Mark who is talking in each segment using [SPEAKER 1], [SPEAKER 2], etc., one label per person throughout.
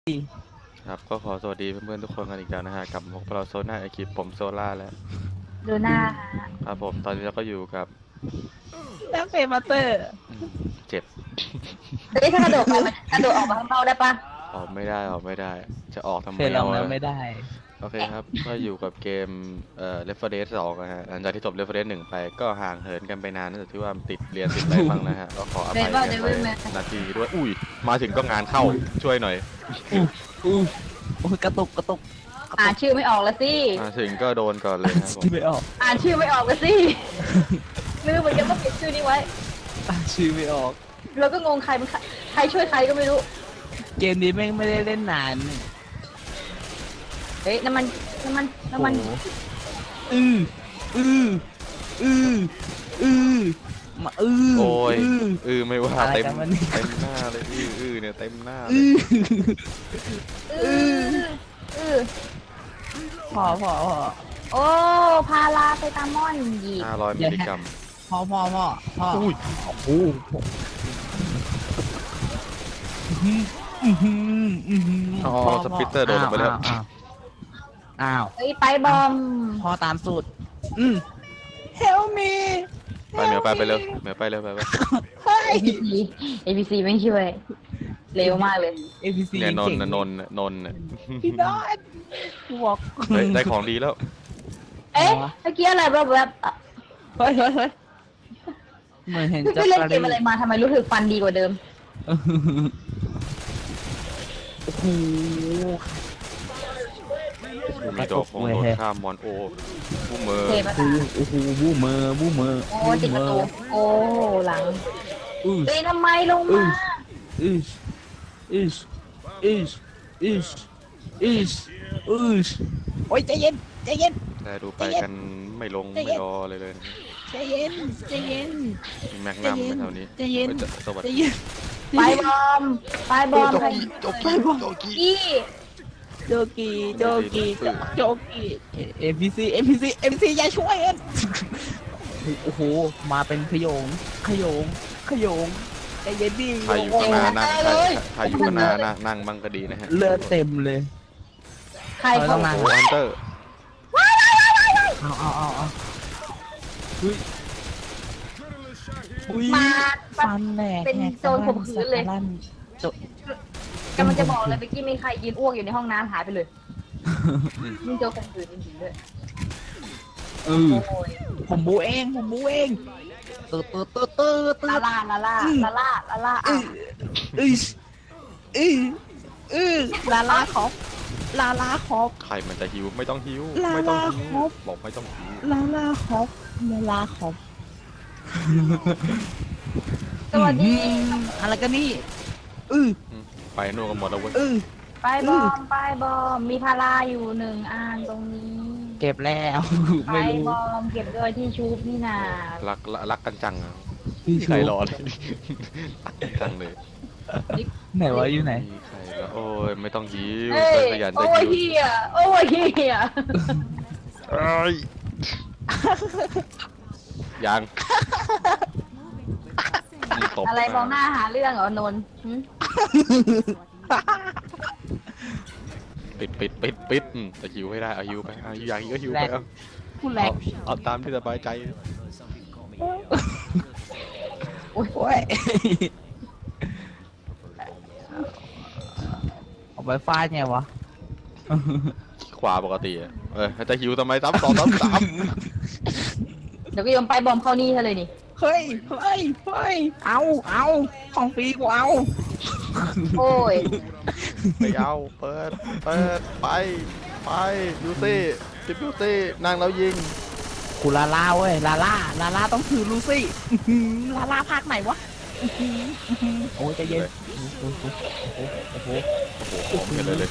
[SPEAKER 1] ครับก็ขอสวัสดีเพื่อนๆทุกคนกันอีกแล้วนะฮะกับพวกเราโซน่าไอคิดผมโซล่าแล้ว
[SPEAKER 2] ดูหน้า
[SPEAKER 1] ครับผมตอนนี้เราก็อยู่กับ
[SPEAKER 3] แล้วเฟรมาเตอร์
[SPEAKER 1] เจ็บ
[SPEAKER 2] เฮ้ยถ้ากระโดดไปมันกระโดดออกมาข้างนอกได้ปะ
[SPEAKER 1] ออกไม่ได้จะออกทำไม
[SPEAKER 3] เฟรลองแล้วไม่ได้
[SPEAKER 1] โอเคครับก็อยู่กับเกมLeft 4 Dead 2นะฮะหลังจากที่จบ Left 4 Dead 1ไปก็ห่างเหินกันไปนานเนื่องจากที่ว่าติดเรียนติดอะไรบ้างนะฮะก็ขออภัยกันไปนาทีด้วยอุ้ยมาถึงก็งานเข้าช่วยหน่อย
[SPEAKER 3] อู้โอ้ยกระตุก
[SPEAKER 2] อ่านชื่อไม่ออกละสิ
[SPEAKER 1] มาถึงก็โดนก่อนเลยครับผม
[SPEAKER 3] ชื่อไม่ออก
[SPEAKER 2] อ่านชื่อไม่ออกละสิไม่รู้เหมือนกันว่าเขียนชื่อนี้ไว้
[SPEAKER 3] ชื่อไม่ออก
[SPEAKER 2] เราก็งงใครมันใครช่วยใครก็ไม่รู้
[SPEAKER 3] เกมนี้แม่งไม่ได้เล่นนาน
[SPEAKER 2] เฮ้ยน้ำมัน
[SPEAKER 3] โอ้โหอืออืออืออือมาอือ
[SPEAKER 1] โอ้ยไม่ว่า
[SPEAKER 3] อะไร
[SPEAKER 1] เต็ม
[SPEAKER 3] กันวะเนี่ย
[SPEAKER 1] หน้าเลยเนี่ยเต็มหน้าเล
[SPEAKER 3] อื
[SPEAKER 1] ย
[SPEAKER 3] อ
[SPEAKER 2] พ
[SPEAKER 3] พอ
[SPEAKER 2] โอ้พาราเซตามอนหยี
[SPEAKER 1] 500มิลลิกรัม
[SPEAKER 3] พอ
[SPEAKER 1] อุ้ย
[SPEAKER 3] โอ้โห
[SPEAKER 1] อ๋อสปิตเตอร์โดนลงไปแล้ว
[SPEAKER 3] อ้าว
[SPEAKER 2] เฮ้ยไปบอม
[SPEAKER 3] พอตามสูตรHelp me
[SPEAKER 1] ไปเหมียวไปเร็วเหมียวไปเร็วไป
[SPEAKER 2] ABC ไม่ช่วยเร็วมากเลย
[SPEAKER 3] APC
[SPEAKER 1] เนี่ยนน
[SPEAKER 3] เก่ง
[SPEAKER 1] ท์น่ะ
[SPEAKER 3] พี่ดอนบอก
[SPEAKER 1] เฮ้ยได้ของดีแล้ว
[SPEAKER 2] เอ๊ะเมื่อกี้อะไรแบบ
[SPEAKER 3] เฮ้ยเหมือนเห็น
[SPEAKER 2] พี่เล่นเกมอะไรมาทำไมรู้สึกฟันดีกว่าเดิม
[SPEAKER 3] โอ้โห
[SPEAKER 1] มีดอกของโดนข้ามมอนโอผู้เมอร์
[SPEAKER 2] เทปะ
[SPEAKER 3] โอ้โหบูมเมอร์
[SPEAKER 2] โอ้ติดประตูโอ้หลัง
[SPEAKER 3] อือ
[SPEAKER 2] เฮ้ยทำไมลงมา
[SPEAKER 3] อือโอ้ยใจเย็น
[SPEAKER 1] แต่ดูไปกันไม่ลงไม่รอเลยนะ
[SPEAKER 3] ใจเย็น
[SPEAKER 1] มีแม็กนัมไหมแถวนี้
[SPEAKER 3] ใจเย็น
[SPEAKER 1] สวัส
[SPEAKER 3] ใจ
[SPEAKER 1] ดี
[SPEAKER 3] เย็น
[SPEAKER 2] ไปบอมใคร
[SPEAKER 1] โจกี้
[SPEAKER 2] กี้
[SPEAKER 3] โจกีAPC อย่าช่วยกันโอ้โหมาเป็นขยงใจเย็นดิ
[SPEAKER 1] ใครอยู่ข้างหน้านั่งใครอยู่ข้างหน้านั่งบังก็ดีนะฮะ
[SPEAKER 3] เลือดเต็มเลย
[SPEAKER 2] ใครเขา
[SPEAKER 1] โอ้ฮันเตอร์
[SPEAKER 3] เอาอุ้ย
[SPEAKER 2] มา
[SPEAKER 3] ฟันแหลก
[SPEAKER 2] เป็นโจรข่มขืนเลย กำลังจะบอกเลยเมื่อกี้มีใครยืนอ้วกอยู่ในห้องน้ำหายไปเลยมึงโจรข่มขืนจริงๆด้วยโอ้ย
[SPEAKER 3] ผมบูเองตื่น
[SPEAKER 2] ลาล่าอ่ะ
[SPEAKER 3] ลาขอบ
[SPEAKER 1] ใครมันจะหิวไม่ต้องหิว
[SPEAKER 3] ลา
[SPEAKER 1] ไม่ต้อง
[SPEAKER 3] ลา
[SPEAKER 1] หิว
[SPEAKER 3] ครบ
[SPEAKER 1] บอกไม่ต้องหิว
[SPEAKER 3] ลาขอบ
[SPEAKER 2] สวัสดี
[SPEAKER 3] อะไรกันนี่
[SPEAKER 1] ไปนู่นกันหมดแล้วเว้ย
[SPEAKER 2] ไปบอมมีพาราอยู่1 อันตรงนี้
[SPEAKER 3] เก็บแล้ว
[SPEAKER 2] ไป
[SPEAKER 3] ไม่รู้
[SPEAKER 2] บอมเก็บด้วยที่ชูบนี่นา
[SPEAKER 1] รักกันจังอะ
[SPEAKER 3] พี่
[SPEAKER 1] ใครรอเลยรักกันจังเลย
[SPEAKER 3] ไหนวะอยู่ไหน
[SPEAKER 1] มีใครแล้วโอ้ยไม่ต้องหิว
[SPEAKER 2] เฮ้ย
[SPEAKER 1] ขยันจะ
[SPEAKER 2] โอ้ย
[SPEAKER 1] หิว
[SPEAKER 2] เฮียโอ้ยเฮีย
[SPEAKER 1] เอ้ยยังตบ
[SPEAKER 2] อะไรมองหน้าหาเรื่องเหรอนนท์หึ
[SPEAKER 1] ปิดจะหิวให้ได้เอาหิวไปเอาอยากหิวก็หิวไปเอา
[SPEAKER 3] พูดแรก
[SPEAKER 1] เอาตามที่สบายใจ
[SPEAKER 3] โอ้ยเอาไปฟาดไงวะ
[SPEAKER 1] ขวาปกติอะจะหิวทำไมซ้ำสาม
[SPEAKER 2] เดี๋ยวก็ยอมไปบอมเข้านี่ซะเลยนี่
[SPEAKER 3] เฮ้ย เอาของฟรีกูเอา
[SPEAKER 2] โอ้ย
[SPEAKER 1] ไม่เอาเปิดไปยูซี่จิบยูซี่นั่งแล้วยิง
[SPEAKER 3] กูลาล่าเว้ยลาล่าต้องถือลูซี่ลาล่าภาคไหนวะโอ้ยใจเย็นโอ้โห
[SPEAKER 1] ผมกันเลย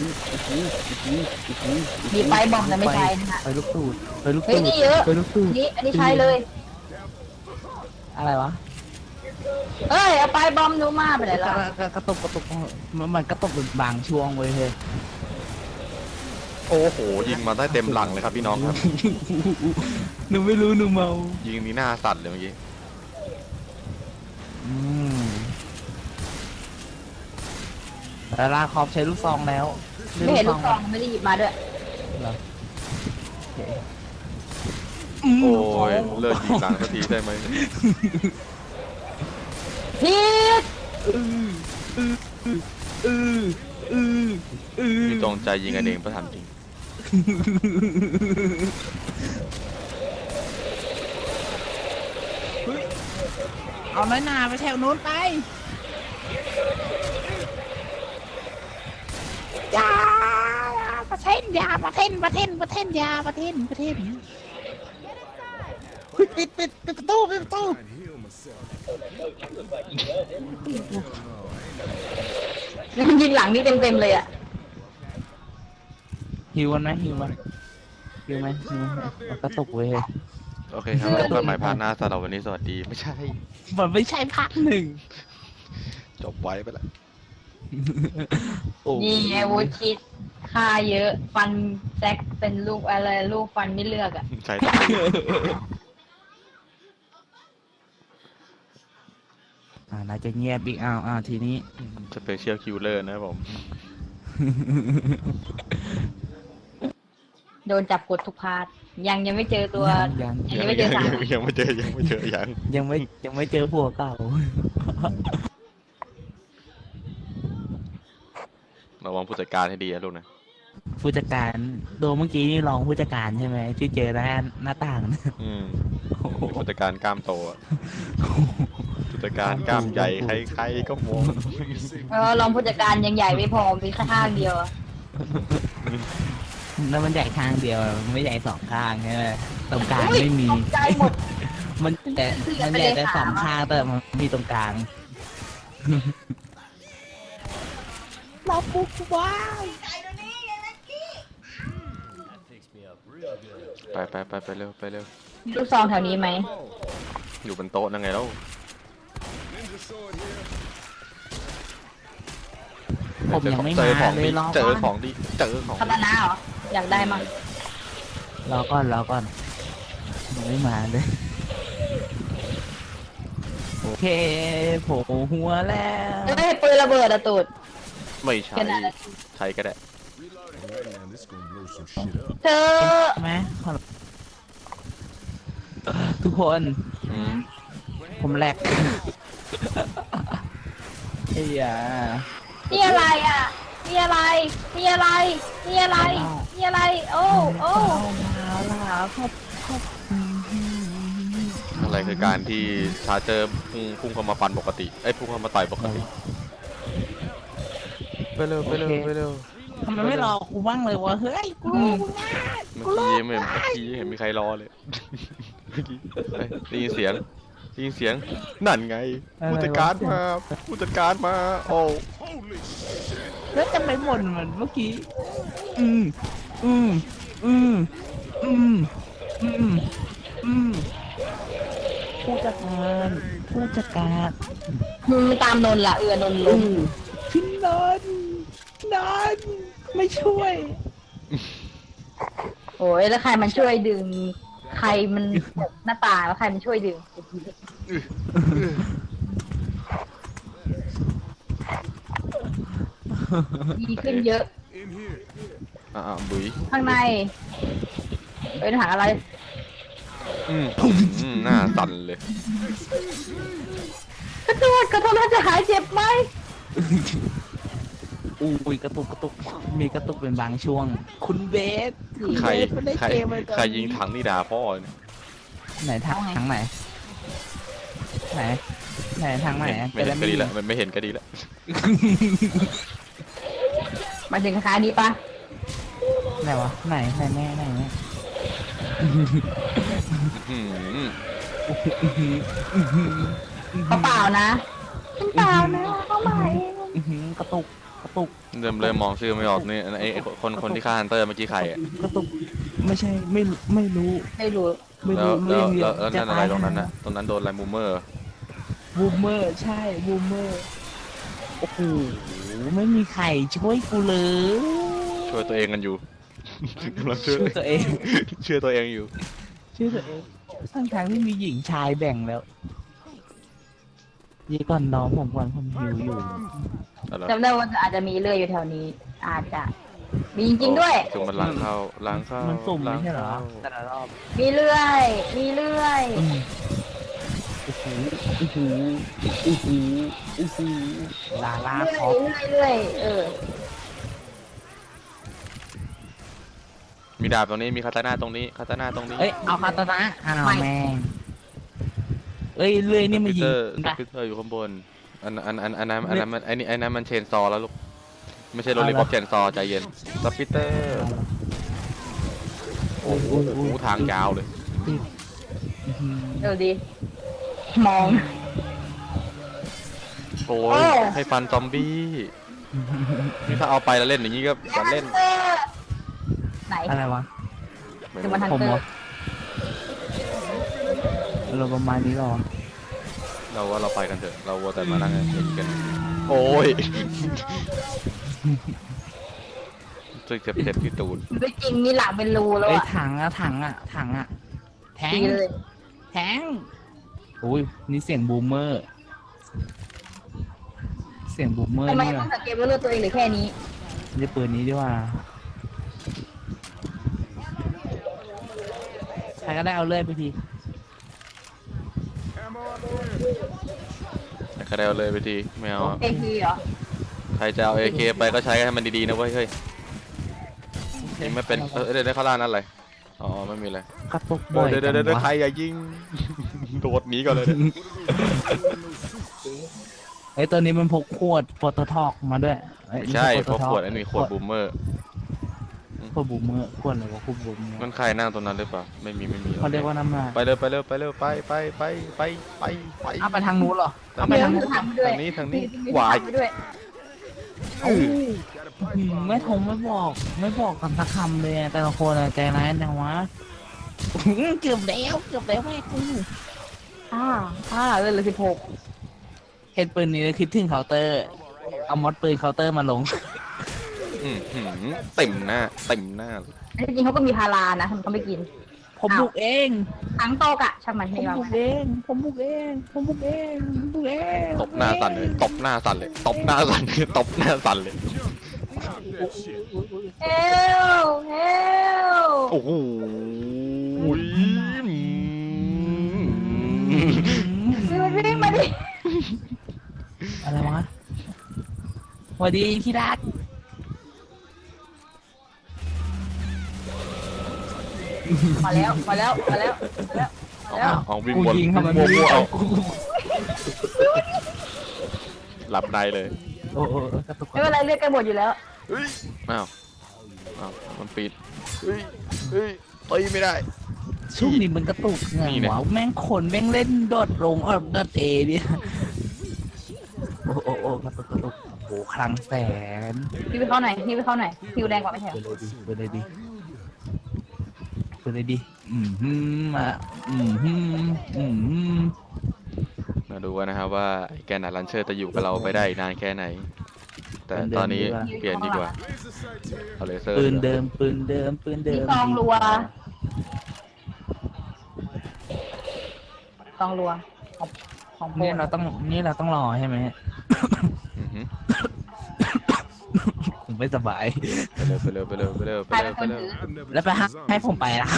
[SPEAKER 2] มีไปบอมแต่ไม่ใช่นะฮะ
[SPEAKER 3] ไปลูกตูด
[SPEAKER 2] เฮ้ยนี่เยอะ
[SPEAKER 3] ไปลูกตูด
[SPEAKER 2] อันนี้ใช้เลย
[SPEAKER 3] อะไรวะ
[SPEAKER 2] เอ้ยเอาไปบอมหนูมาไปไหนแล้ว
[SPEAKER 3] กระตุกมันกระตุกบางช่วงเว้ยเฮ้ย
[SPEAKER 1] โอ้โหยิงมาได้เต็มหลังเลยครับพี่น้องครับ
[SPEAKER 3] หนูไม่รู้หนูเมา
[SPEAKER 1] ยิงนี้หน้าสั่นเลยเมื่อกี้
[SPEAKER 3] มลาล่าคอปใช้ลูกซองแล้ว
[SPEAKER 2] ไม่เห็นลูกซองไม่ได้หยิบมาด้วย
[SPEAKER 3] เหรอโอเค
[SPEAKER 1] โอ้ยเลิกยิงหลังสักทีได้ไหม
[SPEAKER 2] พีท
[SPEAKER 1] มีจงใจยิงกันเองประถามจริง
[SPEAKER 3] เอาน้อยหนาไปแถวนู้นไปยาประเทศยาประเทศประเทศประเทศยาประเทศประเทศปิดประตูปิดประตู
[SPEAKER 2] ยิงหลังนี่เต็มเลยอ่ะ
[SPEAKER 3] หิวมันไหมหิวมันหิวไหมมันกระตุกเว้ย
[SPEAKER 1] โอเคครับแล้วกันใหม่พาร์ทหน้าสำหรับวันนี้สวัสดีไม่ใช่
[SPEAKER 3] มันไม่ใช่ภาคหนึ่ง
[SPEAKER 1] จบไว้ไปแล้ว
[SPEAKER 2] นี่ไงวูดคิดค่าเยอะฟันแจ็คเป็นลูกอะไรลูกฟันไม่เลือกอ่ะ
[SPEAKER 1] ใช่
[SPEAKER 3] น่าจะเงียบอีกทีนี้
[SPEAKER 1] สเปเชียลคิวเลอร์นะครับผม
[SPEAKER 2] โดนจับกดทุกพาร์ทยังไม่เจอตัว
[SPEAKER 3] ยัง
[SPEAKER 2] ยังไม่เจอสาม
[SPEAKER 1] ยังไม่เจอยัง
[SPEAKER 3] ยังไม่เจอผัวเก่า
[SPEAKER 1] ระวังผู้จัดการให้ดีนะลูกนะ
[SPEAKER 3] ผู้จัดการโดเมื่อกี้นี่รองผู้จัดการใช่ไหมที่เจอหน้าต่างนะ
[SPEAKER 1] ผู้จัดการกล้ามโตอะผู้จัดการกล้ามใหญ่ใครๆก็มอง
[SPEAKER 2] รองผู้จัดการยังใหญ่ไม่พอมีแค่ข้างเดียวอะ
[SPEAKER 3] แล้วมันใหญ่ข้างเดียวมันไม่ใหญ่สองข้างใช่ไหมตรงกลางไม่มี
[SPEAKER 2] ตกใจหมด
[SPEAKER 3] มันใหญ่แต่สองข้างแต่มันมีตรงกลางเราปุ๊บว้าว
[SPEAKER 1] ไปเร็วไปเร็ว
[SPEAKER 2] ลูกซองแถวนี้ไหม
[SPEAKER 1] อยู่บนโต๊ะนั่งไงแล้ว
[SPEAKER 3] ผมยังไม่
[SPEAKER 1] เจ
[SPEAKER 3] มา
[SPEAKER 1] อของ
[SPEAKER 3] เล
[SPEAKER 1] ดี
[SPEAKER 3] ยรอ
[SPEAKER 1] เจอ
[SPEAKER 3] ก่อน
[SPEAKER 1] ของดีเจอของ
[SPEAKER 2] คาตานะเหรออยากได้มั้ง
[SPEAKER 3] รอก่อนยังไม่มาเลยโอเคโผล่หัวแล้ว
[SPEAKER 2] เฮ้ยปืนระเบิดอะตูด
[SPEAKER 1] ไม่ใช่
[SPEAKER 2] แค่นั้นแหละ
[SPEAKER 1] ใช้ก็ได้
[SPEAKER 2] เธอ
[SPEAKER 3] ใช่ไหมทุกคน ผมแหลกไอ้ยา
[SPEAKER 2] นี่อะไรอ่ะนี่อะไรนี่อะไรนี่อะไรนี่อะไร โอ้โอ้
[SPEAKER 3] มาแล้วครับ
[SPEAKER 1] อะไรคือการที่ชาร์เจอร์พุ่งเข้ามาฟันปกติพุ่งเข้ามาต่อยปกติไปเร็ว
[SPEAKER 3] ทำไมไม่รอกูบ้างเลยวะเฮ้ยกู
[SPEAKER 1] เมื่อกี้ไม่เห็นมีใครรอเลยเมื่อกี้ได้ยินเสียงนั่นไงผู้จัดการมาโอ้
[SPEAKER 3] แล้วจะไปบ่นเหมือนเมื่อกี้ผู้จัดการ
[SPEAKER 2] มึงตามนนท์ล่ะนนท์ลง
[SPEAKER 3] พี่นนไม่ช่วย
[SPEAKER 2] โอ้ยแล้วใครมันช่วยดึง ใครมันหน้าตาแล้วใครมันช่วยดึงดีขึ้นเยอะ
[SPEAKER 1] บุ๋ย
[SPEAKER 2] ข้างในเป็นหาอะไร
[SPEAKER 1] หน้าสั่นเลย
[SPEAKER 2] กระโดดแล้วจะหายเจ็บไหม
[SPEAKER 3] อุ้ยกระตุกมีกระตุกเป็นบางช่วง คุณเบส
[SPEAKER 1] ใคร
[SPEAKER 3] ไม่ได้เกมเลย
[SPEAKER 1] ใครยิงถังนี่ด่าพ่อเนี่ย
[SPEAKER 3] ไหนทางไหนทางไหน
[SPEAKER 1] ไม่เห็นก็ดีแล้วมันไม่เห็นก็ดีแล้ว
[SPEAKER 2] มาถึงคานี้ปะ
[SPEAKER 3] ไหนวะไหนแน่ไหน
[SPEAKER 2] เขาเปล่านะเปล่านะเขาใหม่
[SPEAKER 3] กระตุก
[SPEAKER 1] เริ่มมองชื่อไม่ออกนี่ไอ้คนที่ฆ่าฮันเตอร์เมื่อกี้ใครอ่ะ
[SPEAKER 3] กระตุกไม่ใช่ไม่รู้
[SPEAKER 2] ไม่รู้
[SPEAKER 1] แล้วนั่นอะไรตรงนั้นนะตรงนั้นโดนอะไรมูเมอร์
[SPEAKER 3] บูมเมอร์ใช่บูมเมอร์โอ้โหไม่มีใครช่วยกูเลย
[SPEAKER 1] ช่วยตัวเองกันอยู่กำลังช่วย
[SPEAKER 3] ตัวเอง
[SPEAKER 1] ช่วยตัวเองอยู่
[SPEAKER 3] ชื่อตัวเองทั้งที่มีหญิงชายแบ่งแล้วยี่ก่อนน้องผมก่อนผมหิวอยู่
[SPEAKER 1] อะไร
[SPEAKER 2] จำได้ว่าอาจจะมีเลื่อยอยู่แถวนี้ อาจจะมีจริงๆด้วย
[SPEAKER 1] จุ่มมันล้างเข้าล้างเข้า
[SPEAKER 3] มันสุ่มไม่ใช่เหรอ
[SPEAKER 1] ล้าง
[SPEAKER 3] แต่
[SPEAKER 1] เข้า
[SPEAKER 3] ละรอบ
[SPEAKER 2] มีเลื่อยมีเลื่อย
[SPEAKER 3] โอ้โหโอ้โหโอ้โหโอ้โหลาลา
[SPEAKER 2] เลื่
[SPEAKER 3] คอ
[SPEAKER 2] อย
[SPEAKER 3] ป
[SPEAKER 2] เลื่อย
[SPEAKER 1] มีดาบตรงนี้มีคาตานาตรงนี้คาตานาตรงนี้
[SPEAKER 3] เอ้ยเอาคาตานะอ้าวแม่งเอ้ยเลื่อยนี่มันยิง
[SPEAKER 1] สปิเตอร์อยู่ข้างบนอันนั้นมันไอ้นั้นมันเชนซอแล้วลูกไม่ใช่โรลลี่ป๊อปเชนซอใจเย็นสปิเตอร์โอ้โหทางยาวเลย
[SPEAKER 2] เดี๋ยวดีมอง
[SPEAKER 1] โอ้
[SPEAKER 2] โอ้
[SPEAKER 1] ยให้ฟันซอมบี้นี่ถ้าเอาไปแล้วเล่นอย่างนี้ก็จะเล่น
[SPEAKER 2] ไหน
[SPEAKER 3] อะไรวะ
[SPEAKER 2] คือมันทัน
[SPEAKER 3] ผม
[SPEAKER 2] เตอ
[SPEAKER 3] เหรอ
[SPEAKER 2] ร์
[SPEAKER 3] เราประมาณนี้หรอ
[SPEAKER 1] เราว่าเราไปกันเถอะเราวัวแต่มานั่งเล่นกันโอ้ยรู้สึกเจ็บที่ตูด
[SPEAKER 2] ไม่จริงมีหลังเป็นรูแล้ว
[SPEAKER 3] เอ้ย
[SPEAKER 2] อะ
[SPEAKER 3] ถังอะแทง
[SPEAKER 2] ดีเลย
[SPEAKER 3] แทงอุ้ยนี่เสียงบูมเมอร์ เสียงบูมเมอร์
[SPEAKER 2] ทำไม
[SPEAKER 3] นี่
[SPEAKER 2] ต้อ
[SPEAKER 3] ว่ะ
[SPEAKER 2] งสังเกตว่าเลือดตัวเองหรือแค่นี้
[SPEAKER 3] จะปืนนี้ดีกว่าใครก็ได้เอาเลื่อยไปที
[SPEAKER 1] แต่ก็ได้เอาเลยไปทีไม่เอา
[SPEAKER 2] เอพีเหรอ
[SPEAKER 1] ใครจะเอา AK ไปก็ใช้ให้มันดีๆนะเว้ยเฮ้ยยิงไม่เป็นเดี๋ยวได้ข้างล่างนั่นอะไรอ๋อไม่มีอะไร
[SPEAKER 3] กระตุกบ่อย
[SPEAKER 1] เดี๋ยว
[SPEAKER 3] จัง
[SPEAKER 1] ใคร
[SPEAKER 3] วะ
[SPEAKER 1] อย่ายิง โดดหนีก่อนเลยเนี่ย
[SPEAKER 3] ไอ้ยตัวนี้มันพกขวดโปรโตทอกมาด้วยเอ้ย
[SPEAKER 1] ไม่ใช่
[SPEAKER 3] ไม่
[SPEAKER 1] เพราะ
[SPEAKER 3] โปรโตทอก
[SPEAKER 1] ขวดอันนี้ขวดบูมเมอร์
[SPEAKER 3] ขวดบูมเมอร์ขวดอะไรวะขวดบูมเมอร์
[SPEAKER 1] มันใครนั่งตรงนั้นหรือเปล่าไม่มี
[SPEAKER 3] เขาเรียกว่าน้ำลาย
[SPEAKER 1] ไปเร็วไปไปไป
[SPEAKER 3] เอาไปทางนู้นเหรอ
[SPEAKER 2] เอาไปทางนู้นทางด้วย
[SPEAKER 1] ทางนี้
[SPEAKER 2] มี
[SPEAKER 1] วาย
[SPEAKER 2] ทงด้วย
[SPEAKER 3] ไม่ทงไม่บอกกันสักคำเลยอะแต่ละคนอะใจร้ายจังวะเกือบแล้วแม่กู
[SPEAKER 2] เลย16
[SPEAKER 3] เห็นปืนนี้แล้วคิดถึงเคาน์เตอร์ เอามอดปืนเคาน์เตอร์มาลง
[SPEAKER 1] เต็มหน้า
[SPEAKER 2] จริงๆเขาก็มีพารานะทำไมเขาไม่กิน
[SPEAKER 3] ผมบุกเอง
[SPEAKER 2] ทั้งโตกอะช่างมัน
[SPEAKER 3] ผม
[SPEAKER 2] ให้ว่า
[SPEAKER 3] บุกเองผมบุกเองผมบุกเองผมบุกเอง
[SPEAKER 1] ตบหน้าสั่นเลยตบหน้าสั่นเลย
[SPEAKER 2] เฮลเฮล
[SPEAKER 1] โอ้โห
[SPEAKER 2] วิ่งมาดิ
[SPEAKER 3] อะไรวะสวัสดีที่รัก
[SPEAKER 2] มาแล้ว
[SPEAKER 1] เอาวิ่ง
[SPEAKER 3] กู
[SPEAKER 1] วน
[SPEAKER 3] ยิงทำไม
[SPEAKER 1] มั่
[SPEAKER 3] ไม่
[SPEAKER 1] วๆเอา
[SPEAKER 3] กู
[SPEAKER 1] หลับในเลย
[SPEAKER 3] โอ้กระตุก
[SPEAKER 2] ไม่เป็นไรเลือดกันหมดอยู่แล้ว
[SPEAKER 1] อ้าวมันปิดตีไม่ได้
[SPEAKER 3] ช่วงนี้มันกระตุกไง
[SPEAKER 1] นี่เนี่ย
[SPEAKER 3] วะแม่งคนแม่งเล่นโดดลงโดดเอเนี่ยโอ้กระตุกโอ้คลังแสน
[SPEAKER 2] พี่ไปเข้าไหนคิวแดงกว่าไม่ใช่เหรอ
[SPEAKER 3] ไปเลยดิมา
[SPEAKER 1] มาดูกันนะครับว่าไอ้แกนนัดลันเชอร์จะอยู่กับเราไปได้นานแค่ไหน แต่ตอนนี้เปลี่ยนดีกว่าเอาเลเซอร์
[SPEAKER 3] ปืนเดิม
[SPEAKER 2] มีซองรัวของโปร
[SPEAKER 3] นี่
[SPEAKER 2] ด
[SPEAKER 3] เราต้องรอใช่ไหม
[SPEAKER 1] อือหือ
[SPEAKER 3] ผมไม่สบาย
[SPEAKER 1] ไปเร็ว
[SPEAKER 2] ใครเป็นคนถือ
[SPEAKER 3] แล้วไปให้ผมไปละ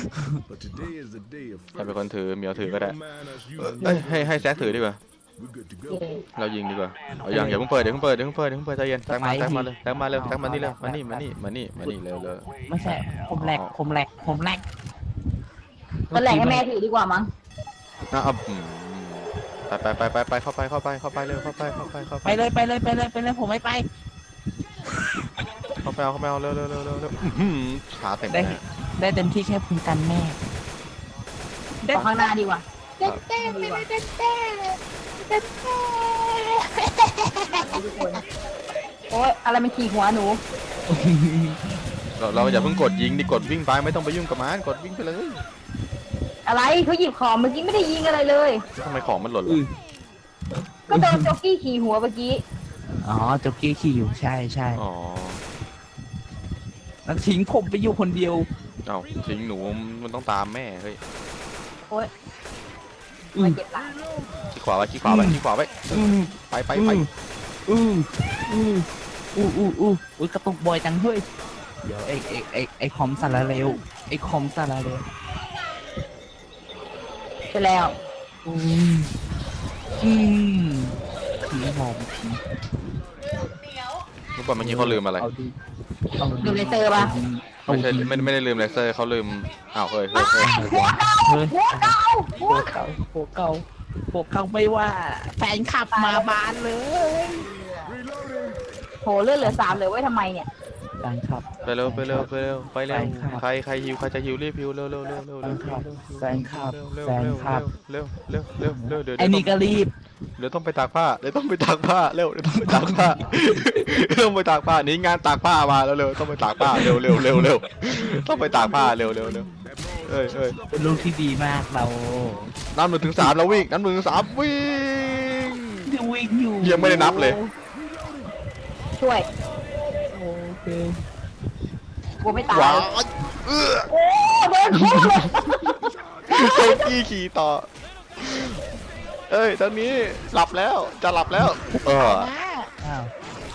[SPEAKER 1] ใครเป็นคนถือเหมียวถือก็ได้ให้แซกถือดีกว่าเรายิงดีกว่าเอาอย่าเพิ่งเปิดเดี๋ยวเพิ่งเปิดใจเย็นแซกมาเลยแซกมานี่เร็วมานี่เร็ว
[SPEAKER 3] ไม่ใช่ผมแหลก
[SPEAKER 2] ก็แหลกให้แม่ถือดีกว่ามั้ง
[SPEAKER 1] ไปเข้าไปเร็วเข้าไป
[SPEAKER 3] ไปเลยผมไม่ไป
[SPEAKER 1] เข้าไปเอาเร็วขาเต็ม
[SPEAKER 3] ได้เต็มที่แค่พึงกันแม่
[SPEAKER 2] ขอข้างหน้าดีกว่าทุกคนโอ๊ยอะไรมันขี่หัวหนู
[SPEAKER 1] เราอย่าเพิ่งกดยิงดิกดวิ่งไปไม่ต้องไปยุ่งกับมันกดวิ่งไปเลย
[SPEAKER 2] อะไรเขาหยิบของเมื่อกี้ไม่ได้ยิงอะไรเลย
[SPEAKER 1] ทำไมของมันหล่นล่ะ
[SPEAKER 2] ก็โดนจ็อกกี้ขี่หัวเมื่อกี้
[SPEAKER 3] อ๋อจ็อกกี้ขี่อยู่ใช่
[SPEAKER 1] อ๋อ
[SPEAKER 3] แล้วทิ้งผมไปอยู่คนเดียว
[SPEAKER 1] เอาทิ้งหนูมันต้องตามแม่เฮ้ย
[SPEAKER 2] โอ๊ยมาเจ็บหลัง
[SPEAKER 1] ขี้ขวาไว้ขี้ขวาไว้ขี้ขวาไว้
[SPEAKER 3] อืม
[SPEAKER 1] ไป
[SPEAKER 3] อืมอุ้ยกระตุกบ่อยจังเฮ้ยเดี๋ยวไอ้คอมสารเร็วไอ้คอมสารเร็ว
[SPEAKER 2] ใช่แล้ว
[SPEAKER 3] อืมอืมผีหอม
[SPEAKER 1] รู้ป่ะเมื่อกี้เขาลืมอะไร
[SPEAKER 3] เอาดิเอาดิ
[SPEAKER 2] ดูเลเซอร์ป่ะ
[SPEAKER 1] ไม่ใช่ไม่ได้ลืมเลเซอร์เขาลืมอ้าวเฮ้ย
[SPEAKER 2] หัวเก่า
[SPEAKER 3] เฮ้ย
[SPEAKER 2] หัวเก่าหั
[SPEAKER 3] พ
[SPEAKER 2] ว
[SPEAKER 3] วกเขาพวกเขาพวกเขาไม่ว่า แฟนขับมาบานเลย
[SPEAKER 2] โหเลือดเหลือ3เหลือไว้ทำไมเนี่ย
[SPEAKER 3] แฟนขับ
[SPEAKER 1] ไปเร็วใครฮิวใครจะฮิวรีบฮิวเร็ว
[SPEAKER 3] แฟนขับ
[SPEAKER 1] เร็ว
[SPEAKER 3] แฟนขับ
[SPEAKER 1] เร็วเดี๋ยว
[SPEAKER 3] ไอ้นี่ก็รีบ
[SPEAKER 1] เดี๋ยวต้องไปตากผ้าเดี๋ยวต้องไปตากผ้าเร็วเดี๋ยวต้องไปตากผ้าต้องไปตากผ้านี่งานตากผ้ามาแล้วเร็วต้องไปตากผ้าเร็วต้องไปตากผ้าเร็วเอ้ย
[SPEAKER 3] เป็นลูกที่ดีมากเรา
[SPEAKER 1] นับ1 ถึง 3แล้ววิ่งนับ1 ถึง 3วิ่ง
[SPEAKER 3] ที่วิ่งอยู่
[SPEAKER 1] ยังไม่ได้นับเลย
[SPEAKER 2] ช่วย
[SPEAKER 3] โอเค
[SPEAKER 2] กลัวไม่ตาย
[SPEAKER 1] ว้าว
[SPEAKER 2] โอ้โดนทุบเลย
[SPEAKER 1] โจกี้ขี่ต่อเอ้ยตอนนี้หลับแล้วจะหลับแล้ว
[SPEAKER 3] อ้าว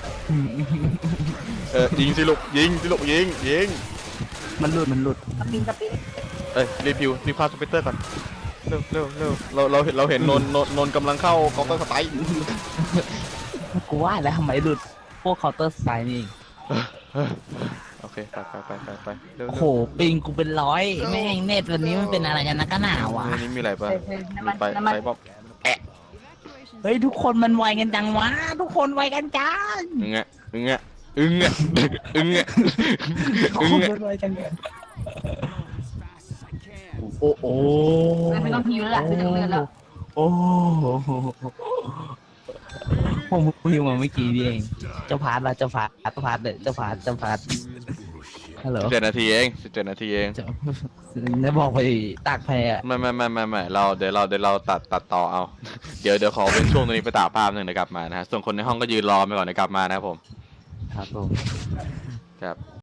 [SPEAKER 1] ยิงสิลูกยิง
[SPEAKER 3] มันหลุด
[SPEAKER 2] สปิน
[SPEAKER 1] เอ้ยรีบพาสเปกเตอร์ก่อนเร็วเราเห็นนนกำลังเข้ากองต้นสไตล์
[SPEAKER 3] กูว่าแล้วทำไมหลุดพวกเคาน์เตอร์สไตล์นี่
[SPEAKER 1] โอเคไปเร็ว
[SPEAKER 3] โอ้โหปิงกูเป็นร้อยแม่งเน็ตวันนี้มันเป็นอะไรกันนะก็หนาวอ่ะ
[SPEAKER 1] นี่มีอะไรป่ะ
[SPEAKER 2] น้ำมัน
[SPEAKER 1] ไป
[SPEAKER 2] น้ำมัน
[SPEAKER 1] บ๊อบ
[SPEAKER 3] เฮ้ยทุกคนมันไวกันจังวะทุกคนไวกันจัง
[SPEAKER 1] อึ้ง
[SPEAKER 3] ทุกคนมันไวกันจังโอ้โห
[SPEAKER 2] ไม่ต้องฮิวแล้วล่ะไม่ต้องเลือดแล้ว
[SPEAKER 3] โอ้โหผมพิวมาเมื่อกี้นี่เองเจ้าพาร์ทละเจ้าพาร์ทเลยเจ้าพาร์ทฮัลโหล
[SPEAKER 1] 17 นาทีเอง
[SPEAKER 3] ได้บอกไปตากแพร
[SPEAKER 1] ไม่เดี๋ยวเราตัดต่อเอาเดี๋ยวขอเป็นช่วงตรงนี้ไปตากภาพหนึ่งเดี๋ยวกลับมานะฮะส่วนคนในห้องก็ยืนรอไปก่อนเดี๋ยวกลับมานะครับผม
[SPEAKER 3] ครับผม
[SPEAKER 1] ครับ